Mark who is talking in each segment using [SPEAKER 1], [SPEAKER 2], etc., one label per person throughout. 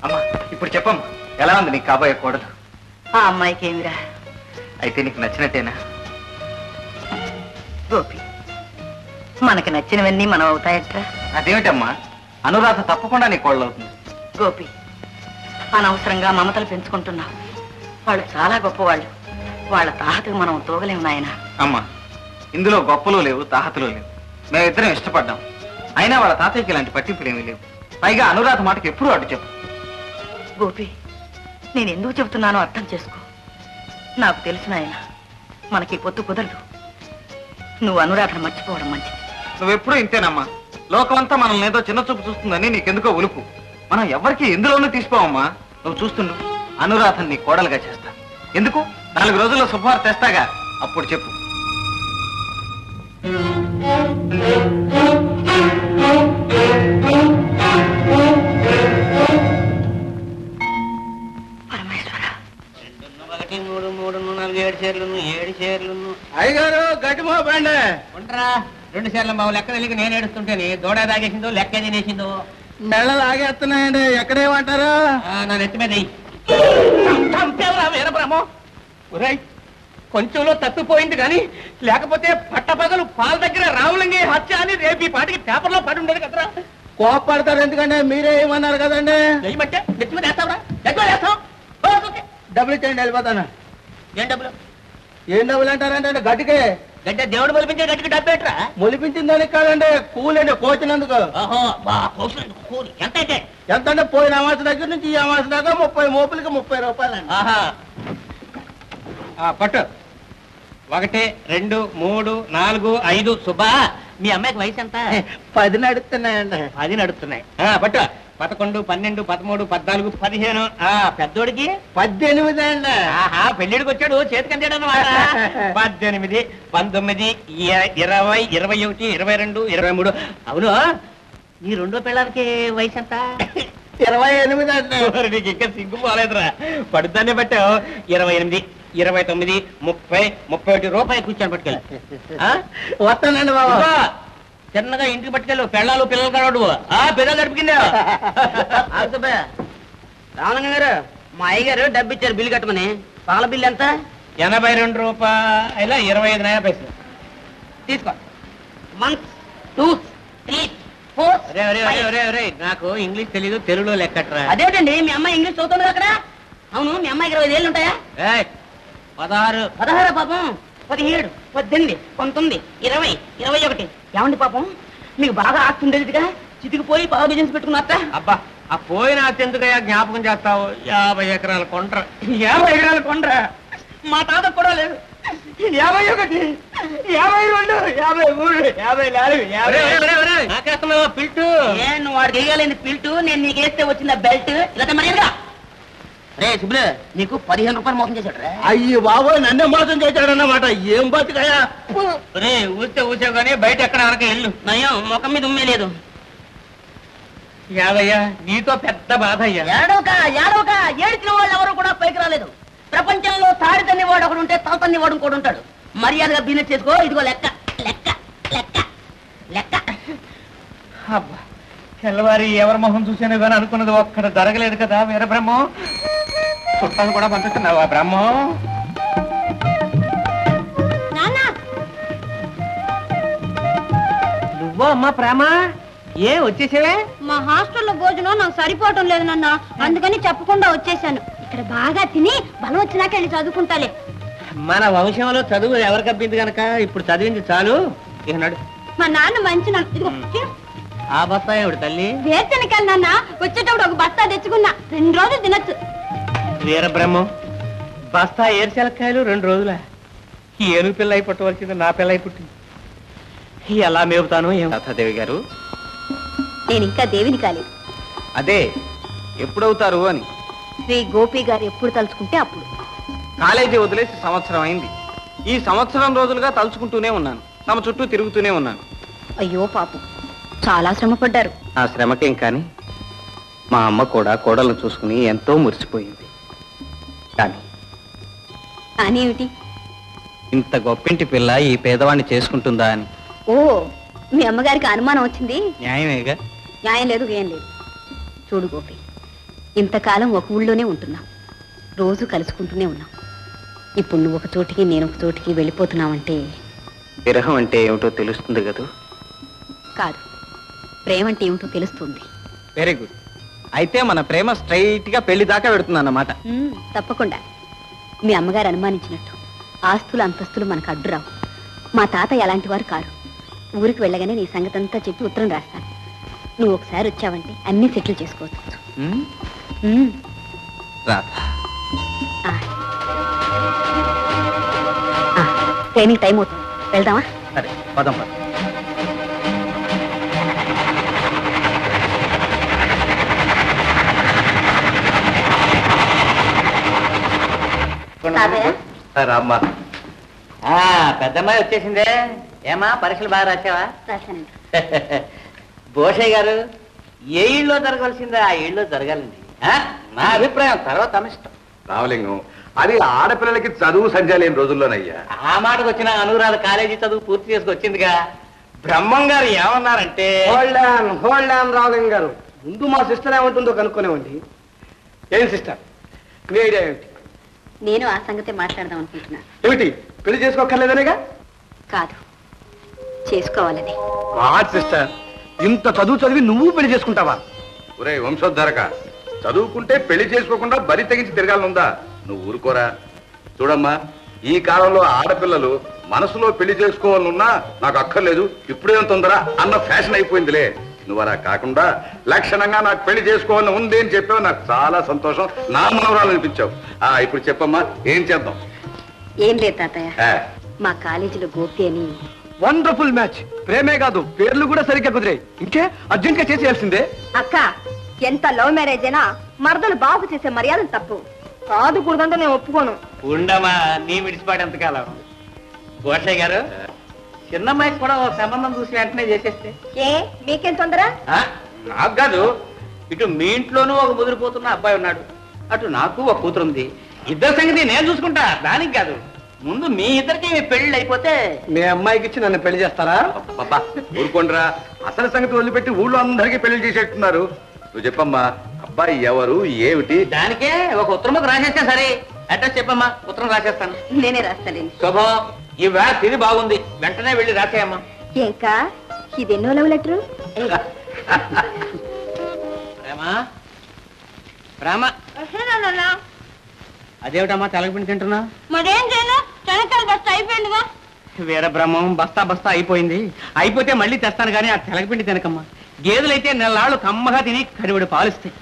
[SPEAKER 1] అమ్మా ఇప్పుడు చెప్పమ్మా, ఎలా ఉంది నీకు కాబోయే కోడలు?
[SPEAKER 2] ఆ అమ్మాయికి ఏమిరా?
[SPEAKER 1] అయితే నీకు నచ్చినట్టేనా?
[SPEAKER 2] గోపి, మనకి నచ్చినవన్నీ మనం అవుతాయట్రా?
[SPEAKER 1] అదేమిటమ్మా, అనురాధ తప్పకుండా నీ కోడలు అవుతుంది.
[SPEAKER 2] గోపి, అనవసరంగా మమతలు పెంచుకుంటున్నావు. వాళ్ళు చాలా గొప్పవాళ్ళు. వాళ్ళ తాహతకు మనం తోగలేము నాయన.
[SPEAKER 1] అమ్మా, ఇందులో గొప్పలు లేవు, తాహతులు లేవు. మేమిద్దరం ఇష్టపడ్డాం. అయినా వాళ్ళ తాతయ్యకి ఇలాంటి పట్టింపులు ఏమీ లేవు. పైగా అనురాధ మాటకి ఎప్పుడూ అడ్డు చెప్పు.
[SPEAKER 2] గోపి, నేను ఎందుకు చెబుతున్నానో అర్థం చేసుకో. నాకు తెలుసు నాయన, మనకి పొత్తు కుదరదు. నువ్వు అనురాధను మర్చిపోవడం మంచిది.
[SPEAKER 1] నువ్వెప్పుడూ ఇంతేనమ్మా. లోకమంతా మనల్ని ఏదో చిన్న చూపు చూస్తుందని నీకెందుకో ఉలుపు. మనం ఎవరికి ఎందులోనూ తీసుకోవమ్మా. నువ్వు చూస్తుండు, అనురాధని నీ కోడలుగా చేస్తా. ఎందుకు? 4 రోజుల్లో శుభవార్త తెస్తాగా, అప్పుడు చెప్పు.
[SPEAKER 2] పరమేశ్వర,
[SPEAKER 3] 2, 1, 3, 4, 7 చీరలు, 7 చీరలు.
[SPEAKER 4] అయ్యగారు గట్టిమో బండి
[SPEAKER 3] ఉండరా, 2 చీరలు బాబు లెక్క తెలియక నేను ఏడుస్తుంటేనే దూడ తాగేసిందో లెక్క తినేసిందో.
[SPEAKER 4] మెళ్ళలు ఆగేస్తున్నాయండి. ఎక్కడేమంటారు?
[SPEAKER 3] నా నెత్తి మీద వీరబ్రహ్మం. ఒరేయ్, కొంచెంలో తప్పిపోయింది కానీ లేకపోతే పట్టపగలు పాల దగ్గర రావులంగి హత్య అని రేపు ఈ పాటికి పేపర్లో పడి ఉండేది కదరా.
[SPEAKER 4] కోపడతారు ఎందుకంటే మీరే ఏమన్నారు కదండి.
[SPEAKER 3] ఏమంటే నెత్తి మీద వేస్తావురా? ఎక్కడ వేస్తావు?
[SPEAKER 4] డబ్బులు ఇచ్చేయండి, వెళ్ళిపోతాను.
[SPEAKER 3] ఏం డబ్బులు?
[SPEAKER 4] ఏం డబ్బులు అంటారంటే గట్టికే
[SPEAKER 3] గడ్డ దేవుడు మొలిపించే గట్టికి డబ్బు ఏంట్రా?
[SPEAKER 4] మొలిపించిన దానికి కాదండి, కూలండి కోచినందుకు.
[SPEAKER 3] ఓహో, కూలి ఎంత అయితే?
[SPEAKER 4] ఎంత అంటే పోయిన అమాస దగ్గర నుంచి ఈ అమాస దాకా 30 మోపులకి 30 రూపాయలండి.
[SPEAKER 3] ఆహా, పట్టు. 1, 2, 3, 4, 5. సుబ్బా, మీ అమ్మాయికి వయసు ఎంత?
[SPEAKER 4] 10 నడుస్తున్నాయండి.
[SPEAKER 3] 10 నడుస్తున్నాయి. పట్టు. 11, 12, 13, 14, 15. పెద్దోడికి
[SPEAKER 4] 18 అండి.
[SPEAKER 3] ఆహా, పెళ్లిడికి వచ్చాడు చేతికి అందాడు అన్నమాట. 18, 19, 20, 21, 22, 23. అవును, నీ రెండో పిల్లలకి వయసు ఎంత?
[SPEAKER 4] 28 అండి.
[SPEAKER 3] నీకు ఇంకా సిగ్గు పోలేదురా, పడుతానే పట్టావు. 28, 29, 30, 31 రూపాయలు కూర్చొని పట్టుకెళ్ళి.
[SPEAKER 4] వస్తానండి బాబా.
[SPEAKER 3] చిన్నగా ఇంటికి పట్టుకెళ్ళు, పెళ్ళాలు పిల్లలు కనడు. పిల్లలు గడిపిందా?
[SPEAKER 2] రామలింగ గారు, మా అయ్యగారు డబ్బు ఇచ్చారు బిల్లు కట్టమని. పాల బిల్లు ఎంత?
[SPEAKER 3] 82 రూపాయల 25 పైసలు.
[SPEAKER 2] తీసుకో. 1, 2, 3, 4.
[SPEAKER 3] నాకు ఇంగ్లీష్ తెలీదు, తెలుగులో లెక్కట్రా.
[SPEAKER 2] అదేంటండి, మీ అమ్మాయి ఇంగ్లీష్ చదువుతుంది అక్కడ? అవును, మీ అమ్మాయికి 25 ఏళ్ళు ఉంటాయా?
[SPEAKER 3] 16.
[SPEAKER 2] 16 పాపం. 17, 18, 19, 20, 21. ఏమండి పాపం, మీకు బాగా ఆస్తి ఉండేదిగా, చితికిపోయి పావు బిజినెస్ పెట్టుకున్నారట.
[SPEAKER 3] అబ్బా, ఆ పోయిన అత్యంతగా జ్ఞాపకం చేస్తావు. 50 ఎకరాల కొండ్ర.
[SPEAKER 2] 50 ఎకరాల కొండ్ర మా తాత కూడా లేదు. 51, 52, 53, 54, 50.
[SPEAKER 3] పిల్టు.
[SPEAKER 2] నువ్వు వాడికి వేయగలేని పిల్టు, నేను నీకు వేస్తే వచ్చిన బెల్ట్. ఇలా మర్యాదగా రే సుబ్బులు, నీకు 15 రూపాయలు మోసం చేశాడు.
[SPEAKER 4] అయ్యి బాబు, నన్నే మోసం చేశాడన్నమాట. ఏం బతుకయా?
[SPEAKER 3] ఊసే కానీ బయట ఎక్కడ వరకు వెళ్ళు.
[SPEAKER 2] నయం, ముఖం మీద ఉమ్మే లేదు.
[SPEAKER 3] యాదయ్యా, నీతో పెద్ద బాధ అయ్యా.
[SPEAKER 2] ఏడవక ఏడిచిన వాళ్ళు ఎవరు కూడా పైకి రాలేదు. ప్రపంచంలో తాడి తన్ని వాడు ఒకడు ఉంటే తల తన్ని వాడు ఇంకోటి ఉంటాడు. మర్యాదగా బిజినెస్ చేసుకో. ఇదిగో లెక్క లెక్క లెక్క లెక్క.
[SPEAKER 3] అబ్బా, తెల్లవారి ఎవరి మొహం చూసాను కానీ అనుకున్నది ఒక్కడ జరగలేదు కదా వీరబ్రహ్మం. చుట్టాలు కూడా పంపిస్తున్నావా బ్రహ్మం? నువ్వో అమ్మా ప్రేమ, ఏ వచ్చేసేవే?
[SPEAKER 5] మా హాస్టల్లో భోజనం నాకు సరిపోవటం లేదు నాన్న, అందుకని చెప్పకుండా వచ్చేసాను. ఇక్కడ బాగా తిని బలం వచ్చినాక వెళ్ళి చదువుకుంటాలే.
[SPEAKER 3] మన వంశంలో చదువు ఎవరికి అబ్బింది కనుక ఇప్పుడు చదివింది చాలు. ఇక నడు.
[SPEAKER 5] మా నాన్న మంచి
[SPEAKER 3] ఆ బస్తా ఏమిటి తల్లి?
[SPEAKER 5] వేరుశనకాయలు నాన్న, వచ్చేటప్పుడు ఒక బస్తా తెచ్చుకున్నా, 2 రోజులు తినచ్చు.
[SPEAKER 3] వీరబ్రహ్మం, బస్తా ఏరుశెలక్కాయలు 2 రోజుల? ఈ ఏనుగు పిల్ల అయి పుట్టవలసింది నా పిల్ల అయి పుట్టింది. ఎలా మేపుతాను ఏం?
[SPEAKER 1] లతాదేవి గారు,
[SPEAKER 5] నేను ఇంకా దేవిని కాలేదు.
[SPEAKER 1] అదే ఎప్పుడవుతారు అని.
[SPEAKER 5] శ్రీ గోపి గారు ఎప్పుడు తలుచుకుంటే అప్పుడు.
[SPEAKER 1] కాలేజీ వదిలేసి సంవత్సరం అయింది. ఈ సంవత్సరం రోజులుగా తలుచుకుంటూనే ఉన్నాను, తమ చుట్టూ తిరుగుతూనే ఉన్నాను.
[SPEAKER 5] అయ్యో పాపం, చాలా శ్రమ పడ్డారు.
[SPEAKER 1] ఆ శ్రమకేం కానీ మా అమ్మ కూడా కోడలను చూసుకుని ఎంతో మురిసిపోయింది. కానీ
[SPEAKER 5] ఏమిటి?
[SPEAKER 1] ఇంత గొప్పింటి పిల్ల ఈ పేదవాణ్ణి చేసుకుంటుందా అని.
[SPEAKER 5] ఓ, మీ అమ్మగారికి అనుమానం వచ్చింది.
[SPEAKER 1] న్యాయమేగా.
[SPEAKER 5] న్యాయం లేదు, ఏం లేదు. చూడు గోపి,
[SPEAKER 6] ఇంతకాలం ఒక ఊళ్ళోనే ఉంటున్నాం, రోజు కలుసుకుంటూనే ఉన్నాం. ఇప్పుడు నువ్వు ఒక చోటికి నేను ఒక చోటికి వెళ్ళిపోతున్నావంటే
[SPEAKER 1] విరహం అంటే ఏమిటో తెలుస్తుంది కదూ.
[SPEAKER 6] కాదు, ప్రేమ అంటే ఏమిటో తెలుస్తుంది.
[SPEAKER 1] Very good. అయితే మన ప్రేమ స్ట్రైట్ గా పెళ్లి దాకా పెడుతుంది అన్నమాట.
[SPEAKER 6] తప్పకుండా. మీ అమ్మగారు అనుమానించినట్టు ఆస్తులు అంతస్తులు మనకు అడ్డురావు. మా తాతయ్య అలాంటి వారు కారు. ఊరికి వెళ్ళగానే నీ సంగతి అంతా చెప్పి ఉత్తరం రాస్తాను. నువ్వు ఒకసారి వచ్చావంటే అన్ని సెటిల్ చేసుకోవచ్చు. ట్రైనింగ్ టైం అవుతుంది, వెళ్దామా?
[SPEAKER 1] సరే పదం పద. రామ్మా.
[SPEAKER 3] పెద్దమ్మాయి వచ్చేసిందే. ఏమా పరీక్షలు బాగా రాసావా?
[SPEAKER 6] రాశానండి.
[SPEAKER 3] భూషయ్య గారు, ఏ ఇళ్ళలో జరగవలసిందో ఆ ఇళ్ళలో జరగాలండి. నా అభిప్రాయం, తర్వాత తమిష్టం.
[SPEAKER 7] రామలింగం, అది ఆడపిల్లలకి చదువు సంధ్య లేని రోజుల్లోనయ్యా.
[SPEAKER 3] ఆ మాటకు వచ్చిన అనురాధ కాలేజీ చదువు పూర్తి చేసుకొచ్చిందిగా. బ్రహ్మం గారు ఏమన్నారంటే,
[SPEAKER 4] హోల్డ్ ఆన్ రామలింగం గారు, ముందు మా సిస్టర్ ఏమంటుందో కనుక్కునేవండి. ఏం సిస్టర్, మీ ఐడియా ఏమిటి?
[SPEAKER 6] నేను ఆ సంగతే మాట్లాడదాం అనుకుంటున్నాను.
[SPEAKER 4] ఏమిటి, పెళ్లి చేసుకోక్కర్లేదనేగా?
[SPEAKER 6] కాదు, చేసుకోవాలని.
[SPEAKER 4] సిస్టర్, ఇంత చదువు చదివి నువ్వు పెళ్లి చేసుకుంటావా?
[SPEAKER 7] ఒరే వంశోద్ధరక, చదువుకుంటే పెళ్లి చేసుకోకుండా బరి తెగించి తిరగాలనుందా? నువ్వు ఊరుకోరా. చూడమ్మా, ఈ కాలంలో ఆడపిల్లలు మనసులో పెళ్లి చేసుకోవాలనున్నా నాకు అక్కర్లేదు, ఇప్పుడేం తొందర అన్న ఫ్యాషన్ అయిపోయిందిలే. నువ్వు అలా కాకుండా లక్షణంగా నాకు పెళ్లి చేసుకోవాలని ఉంది అని చెప్పావు. నాకు చాలా సంతోషం, నా మనవరాలు అనిపించావు. ఇప్పుడు చెప్పమ్మా, ఏం చేద్దాం?
[SPEAKER 6] ఏం లేదు తాతయ్య, మా కాలేజీలో గోపి అని.
[SPEAKER 4] Wonderful match. ప్రేమే కాదు, పేర్లు కూడా సరిగ్గా కుదిరాయి. ఇంకే అర్జెంట్ గా చేసేయాల్సిందే.
[SPEAKER 5] అక్క, ఎంత లవ్ మ్యారేజ్ అయినా మరదలు బాబు చేసే మర్యాదలు తప్పు కాదు. కూడదంటే నేను ఒప్పుకోను.
[SPEAKER 3] ఉండమా, నీ విడిచిపాటు ఎంతకాలం. భూషయ్య గారు, చిన్నమ్మాయికి కూడా ఓ సంబంధం చూసి వెంటనే చేసేస్తే.
[SPEAKER 5] ఏ మీకేం తొందర?
[SPEAKER 3] నాకు కాదు, ఇటు మీ ఇంట్లోనూ ఒక ముదిరిపోతున్న అబ్బాయి ఉన్నాడు, అటు నాకు ఒక కూతురు ఉంది. ఇద్దరు సంగతి నేను చూసుకుంటా, దానికి కాదు. ముందు మీ ఇద్దరికి పెళ్లి అయిపోతే
[SPEAKER 4] మీ అమ్మాయికి ఇచ్చి నన్ను పెళ్లి చేస్తారా?
[SPEAKER 7] బాబా ఊరుకోండిరా, అసలు సంగతి వదిలిపెట్టి ఊళ్ళో అందరికీ పెళ్లి చేసేట్టున్నారు. నువ్వు చెప్పమ్మా, అబ్బాయి ఎవరు, ఏమిటి?
[SPEAKER 3] దానికే ఒక ఉత్తరం రాసేస్తే సరే. అడ్రస్ చెప్పమ్మా, ఉత్తరం రాసేస్తాను.
[SPEAKER 6] నేనే రాస్తాలేండి.
[SPEAKER 3] శుభం, ఈ వేళ తిరిగి బాగుంది, వెంటనే వెళ్ళి రాసేయమ్మా.
[SPEAKER 5] ఇంకా ఇదెన్నో లవ్ లెటరు?
[SPEAKER 3] ప్రేమ ప్రేమ, అదేమిటమ్మా తెలగపిండి తింటున్నా?
[SPEAKER 5] మరేం చేయను, చెనక్కాయలు బస్తా అయిపోయిందిగా.
[SPEAKER 3] వీర బ్రహ్మం, బస్తా బస్తా అయిపోయింది. అయిపోతే మళ్ళీ తెస్తాను కానీ ఆ తెలగపిండి తినకమ్మా. గేదెలైతే నెలలాళ్ళు కమ్మగా తిని కడివిడి పాలిస్తాయి.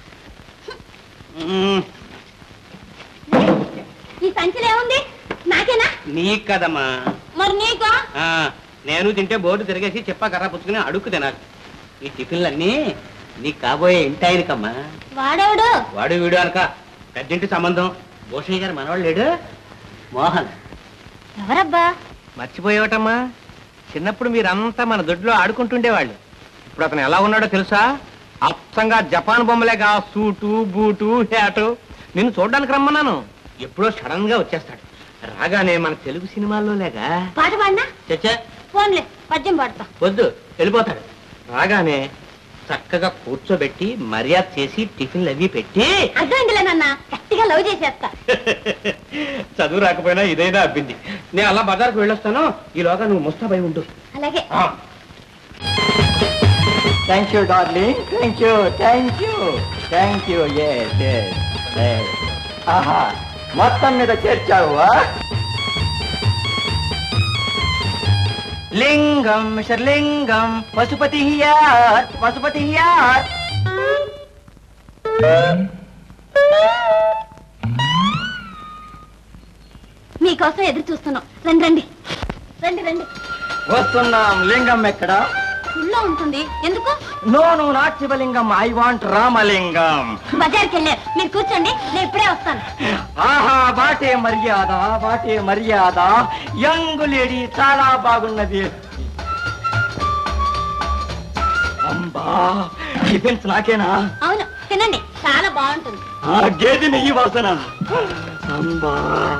[SPEAKER 5] ఈ సంచిలో ఏముంది? నాకేనా?
[SPEAKER 3] నీకు కదమ్మా.
[SPEAKER 5] మరి నీకా?
[SPEAKER 3] నేను తింటే బోర్డు తిరిగేసి చెప్పా కర్ర పుచ్చుకుని అడుక్కు తినాలి. ఈ టిఫిన్లన్నీ నీకు కాబోయే ఇంటి ఆయనకమ్మా.
[SPEAKER 5] వాడేవాడు?
[SPEAKER 3] వాడు వీడు అనక పెద్దింటి సంబంధం. భూషయ్య గారు మనవాడు లేడు, మోహన్.
[SPEAKER 5] ఎవరబ్బా?
[SPEAKER 3] మర్చిపోయేవటమ్మా, చిన్నప్పుడు మీరంతా మన దొడ్లో ఆడుకుంటుండేవాళ్ళు. ఇప్పుడు అతను ఎలా ఉన్నాడో తెలుసా? అచ్చంగా జపాన్ బొమ్మలేగా, సూటు బూటు హ్యాటు. నిన్ను చూడడానికి రమ్మన్నాను, ఎప్పుడో సడన్ గా వచ్చేస్తాడు. రాగానే మన తెలుగు సినిమాల్లో లేగా
[SPEAKER 5] పాట పాడినా?
[SPEAKER 3] చచ్చా,
[SPEAKER 5] ఫోన్లే, పద్యం పాడతా.
[SPEAKER 3] వద్దు, వెళ్ళిపోతాడు. రాగానే చక్కగా కూర్చోబెట్టి మర్యాద చేసి టిఫిన్లు అవి పెట్టి.
[SPEAKER 5] అర్థమైందిలే నాన్న, గట్టిగా లవ్ చేసేస్తా.
[SPEAKER 3] చదువు రాకపోయినా ఇదైనా అబ్బింది. నేను అలా బజార్కు వెళ్ళొస్తాను, ఈలోగా నువ్వు ముస్తాబై ఉండు.
[SPEAKER 5] అలాగే.
[SPEAKER 4] Thank you darling, thank you, thank you, thank you. ఆహా, మొత్తం మీద చేర్చావా? లింగం మిస్టర్ లింగం, పశుపతి హియార్, పశుపతి హియార్.
[SPEAKER 5] మీకోసం ఎదురు చూస్తున్నాం. రండి రండి రండి రండి.
[SPEAKER 4] వస్తున్నాం. లింగం ఎక్కడ?
[SPEAKER 5] ఊళ్ళో ఉంటుంది. ఎందుకు?
[SPEAKER 4] No no, not Shivalingam, I want Ramalingam.
[SPEAKER 5] బజార్కి వెళ్ళారు, మీరు కూర్చోండి, నేను ఇప్పుడే వస్తాను.
[SPEAKER 4] ఆహా, వాటే మర్యాద, వాటే మర్యాద. యంగ్ లేడీ చాలా బాగున్నది. అంబా, టిఫిన్స్ నాకేనా?
[SPEAKER 5] అవును, తినండి, చాలా బాగుంటుంది.
[SPEAKER 4] ఆ గేదె నెయ్యి వాసన. అంబా.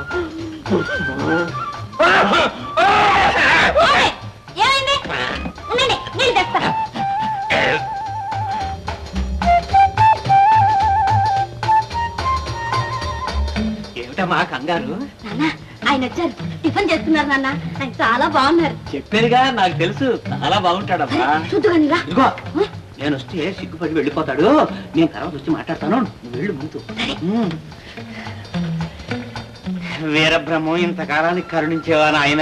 [SPEAKER 5] ఏమైంది? ఉండండి, నీళ్ళు తెస్తా.
[SPEAKER 3] ఏమిటమ్మా కంగారు?
[SPEAKER 5] నాన్న ఆయన వచ్చారు, టిఫిన్ చేస్తున్నారు నాన్న. ఆయన చాలా బాగున్నారు.
[SPEAKER 3] చెప్పారుగా, నాకు తెలుసు చాలా బాగుంటాడమ్మా.
[SPEAKER 5] చూద్దుగాని రా.
[SPEAKER 3] ఇదిగో నేను వస్తే సిగ్గుపడి వెళ్ళిపోతాడు. నేను తర్వాత వచ్చి మాట్లాడతాను, నువ్వు వెళ్ళు ముందు. వీరబ్రహ్మం ఇంతకాలానికి కరుణించేవా నాయన?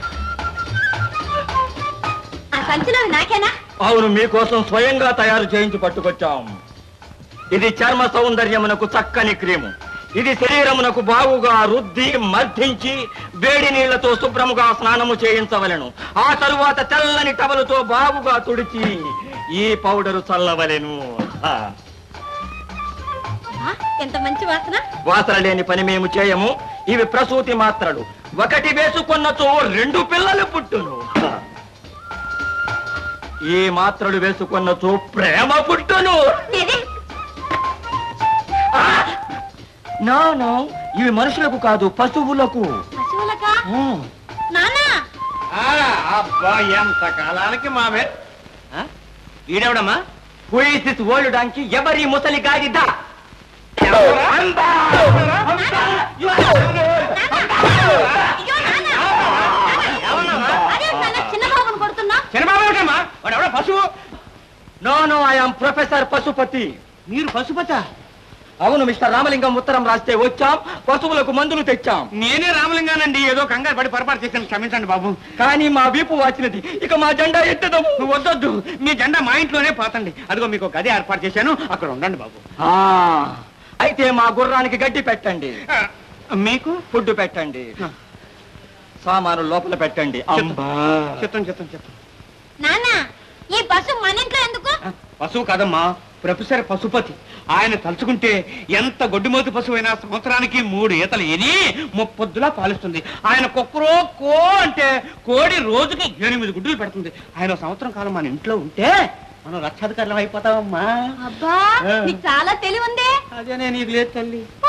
[SPEAKER 5] ఆ సంచిలో నాకేనా?
[SPEAKER 3] అవును, మీకోసం స్వయంగా తయారు చేయించి పట్టుకొచ్చాం. ఇది చర్మ సౌందర్యమునకు చక్కని క్రీము. ఇది శరీరమునకు బాగుగా రుద్ది మర్దించి వేడి నీళ్లతో శుభ్రముగా స్నానము చేయించవలెను. ఆ తరువాత తెల్లని టవలుతో బాగుగా తుడిచి ఈ పౌడరు చల్లవలెను.
[SPEAKER 5] ఎంత మంచి వాసన.
[SPEAKER 3] వాసన లేని పని మేము చేయము. ఇవి ప్రసూతి మాత్రలు. ఒకటి వేసుకున్నచో 2 పిల్లలు పుట్టును. ఈ మాత్రలు వేసుకున్నచో ప్రేమ పుట్టును. నో, ఇవి మనుషులకు కాదు, పశువులకు.
[SPEAKER 5] పశువులకా? నాన్న
[SPEAKER 3] అబ్బా, ఎంత కాలానికి మామే. ఈడెవడమ్మా? Who is this old donkey? ఎవరి ముసలి గాడిద?
[SPEAKER 5] చిన్నబాబుని కొడుతున్నా?
[SPEAKER 3] చిన్నబాబు ఏమిటమ్మా? వాడు ఎవడో పశువు. No, I am professor Pasupathi.
[SPEAKER 1] మీరు పశుపత?
[SPEAKER 3] అవును మిస్టర్ రామలింగం, ఉత్తరం రాస్తే వచ్చాం, పశువులకు మందులు తెచ్చాం.
[SPEAKER 1] నేనే రామలింగానండి, ఏదో కంగారు పడి పొరపాటు చేశాను, క్షమించండి బాబు.
[SPEAKER 3] కానీ మా వీపు వాచినది, ఇక మా జెండా ఎత్తదము.
[SPEAKER 1] వద్దొద్దు, మీ జెండా మా ఇంట్లోనే పోతండి. అదిగో మీకు గది ఏర్పాటు చేశాను, అక్కడ ఉండండి బాబు.
[SPEAKER 3] అయితే మా గుర్రానికి గడ్డి పెట్టండి,
[SPEAKER 1] మీకు
[SPEAKER 3] ఫుడ్ పెట్టండి, సామాను లోపల పెట్టండి.
[SPEAKER 1] చిత్తం.
[SPEAKER 5] నాన్న ఈ పశువు మన ఇంట్లో ఎందుకు?
[SPEAKER 1] పశువు కాదమ్మా, ప్రొఫెసర్ పశుపతి. ఆయన తలుచుకుంటే ఎంత గొడ్డుమోతు పశువు అయినా సంవత్సరానికి 3 ఈతలు ఎని 30 పొద్దులా పాలిస్తుంది. ఆయన కుక్కరో కో అంటే కోడి రోజుకి 8 గుడ్డులు పెడుతుంది. ఆయన సంవత్సరం కాలం మన ఇంట్లో ఉంటే మనం రక్షాధికారులం అయిపోతామమ్మా.
[SPEAKER 5] అబ్బా, నీకు చాలా తెలివి ఉంది.
[SPEAKER 1] అదే నేను నీకు లేదు తల్లి.